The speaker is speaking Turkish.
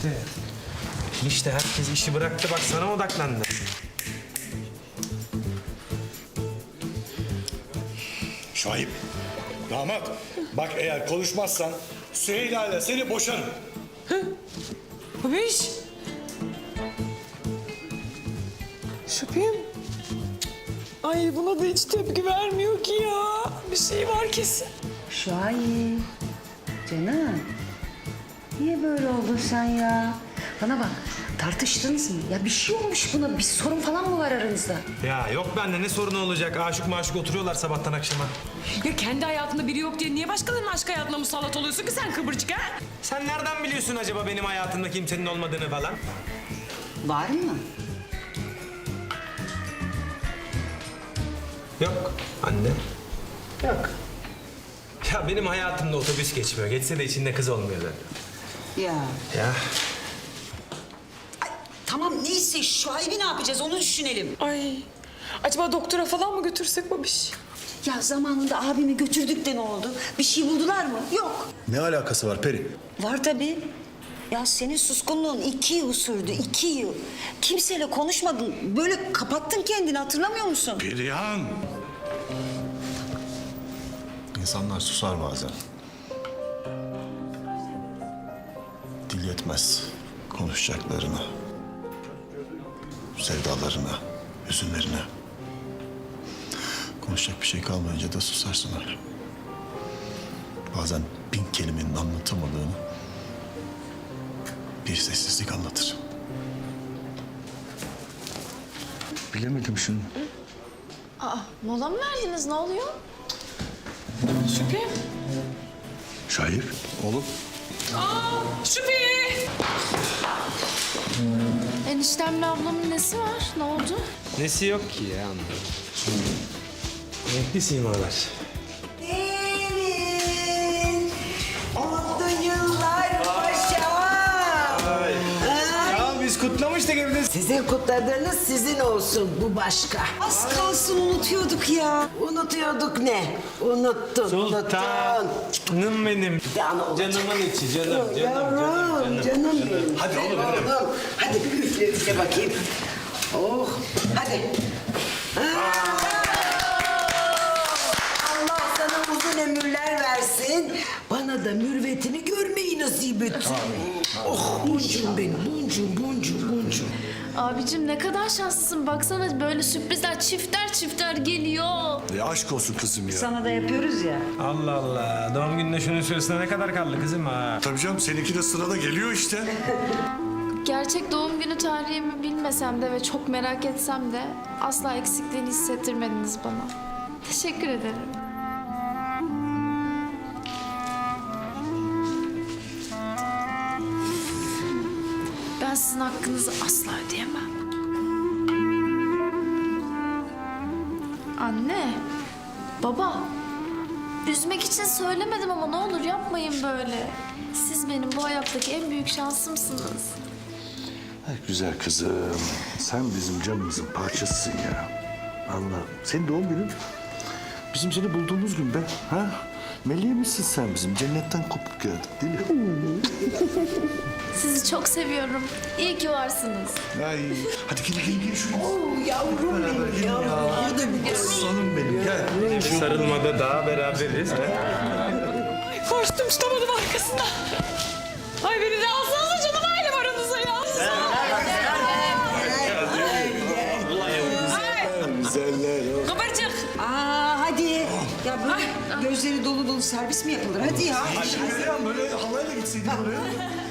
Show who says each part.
Speaker 1: İşte herkes işi bıraktı, bak sana odaklandı.
Speaker 2: Şahip, damat. Bak eğer konuşmazsan Süheyla ile seni boşarım.
Speaker 3: Babiş. Şüphem. Ay buna da hiç tepki vermiyor ki ya. Bir şey var kesin.
Speaker 4: Şahip, canım. Niye böyle oldun sen ya? Bana bak, tartıştınız mı? Ya bir şey olmuş buna, bir sorun falan mı var aranızda?
Speaker 1: Ya yok bende ne sorunu olacak? Aşık maşık oturuyorlar sabahtan akşama.
Speaker 3: Ya kendi hayatında biri yok diye niye başkalarının aşk hayatına musallat oluyorsun ki sen kıvırcık ha?
Speaker 1: Sen nereden biliyorsun acaba benim hayatımda kimsenin olmadığını falan?
Speaker 4: Var mı?
Speaker 1: Yok anne. Yok. Ya benim hayatımda otobüs geçmiyor. Geçse de içinde kız olmuyor zaten.
Speaker 4: Ya.
Speaker 1: Ya
Speaker 5: Tamam neyse Şuayb'i ne yapacağız onu düşünelim.
Speaker 3: Ay. Acaba doktora falan mı götürsek babiş?
Speaker 5: Ya zamanında abimi götürdük de ne oldu? Bir şey buldular mı? Yok.
Speaker 2: Ne alakası var Peri?
Speaker 5: Var tabii. Ya senin suskunluğun 2 yıl sürdü, 2 yıl. Kimseyle konuşmadın. Böyle kapattın kendini hatırlamıyor musun?
Speaker 2: Perihan. İnsanlar susar bazen. Dil yetmez konuşacaklarına, sevdalarına, hüzünlerine. Konuşacak bir şey kalmayınca da susarsın öyle. Bazen 1000 kelimenin anlatamadığını bir sessizlik anlatır.
Speaker 6: Bilemedim şunu.
Speaker 7: Mola mı verdiniz? Ne oluyor?
Speaker 3: Şüphem.
Speaker 6: Şahip, oğlum.
Speaker 3: Şüphe.
Speaker 7: Eniştemle ablamın nesi var? Ne oldu?
Speaker 1: nesi yok ki ya anne. Renkli simalar.
Speaker 8: Gelin. Mutlu yıllar paşam.
Speaker 1: Ya biz kutlamıştık evde.
Speaker 8: Sizin kutladığınız sizin olsun, bu başka.
Speaker 5: Az kalsın unutuyorduk ya.
Speaker 8: Unutuyorduk ne? Unuttun, unuttun.
Speaker 1: Sultanım benim. Canımın içi, canım.
Speaker 8: Yavrum, canım benim.
Speaker 2: Hadi oğlum,
Speaker 8: Oğlum, hadi bir üfle bakayım. Oh, hadi. Allah sana uzun ömürler versin. Bana da mürvetini görmeyi nasip etsin. Oh, boncuğum benim, boncuğum.
Speaker 7: Abicim ne kadar şanslısın. Baksana böyle sürprizler çifter geliyor.
Speaker 2: Aşk olsun kızım ya.
Speaker 4: Sana da yapıyoruz ya.
Speaker 1: Allah Allah. Doğum gününe şunun süresine ne kadar kaldı kızım ha?
Speaker 2: Tabii canım seninki de sırada geliyor işte.
Speaker 7: Gerçek doğum günü tarihimi bilmesem de ve çok merak etsem de asla eksikliğini hissettirmediniz bana. Teşekkür ederim. Ben sizin hakkınızı asla ödeyemem. Anne, baba, üzmek için söylemedim ama ne olur yapmayın böyle. Siz benim bu hayattaki en büyük şansımsınız.
Speaker 6: Ay güzel kızım. Sen bizim canımızın parçasısın ya. Allah'ım. Senin doğum günün bizim seni bulduğumuz gün be. Ha? Meleğimizsin sen bizim. Cennetten kopuk geldik değil mi?
Speaker 7: Sizi çok seviyorum. İyi ki varsınız.
Speaker 2: Ay, hadi gel şuraya.
Speaker 8: Oh, yavrum benim, yavrum. Burada bir
Speaker 2: Aslanım benim gel.
Speaker 1: Sarılmada daha beraberiz.
Speaker 3: Ay koştum tutamadım arkasından. Ay beni de alsanıza canım ailem aranıza ya.
Speaker 2: Güzeller.
Speaker 3: Kıvırcık.
Speaker 5: Aa hadi. Ya böyle gözleri dolu dolu servis mi yapılır? Hadi ya.
Speaker 2: Perihan böyle halayla gitseydin oraya.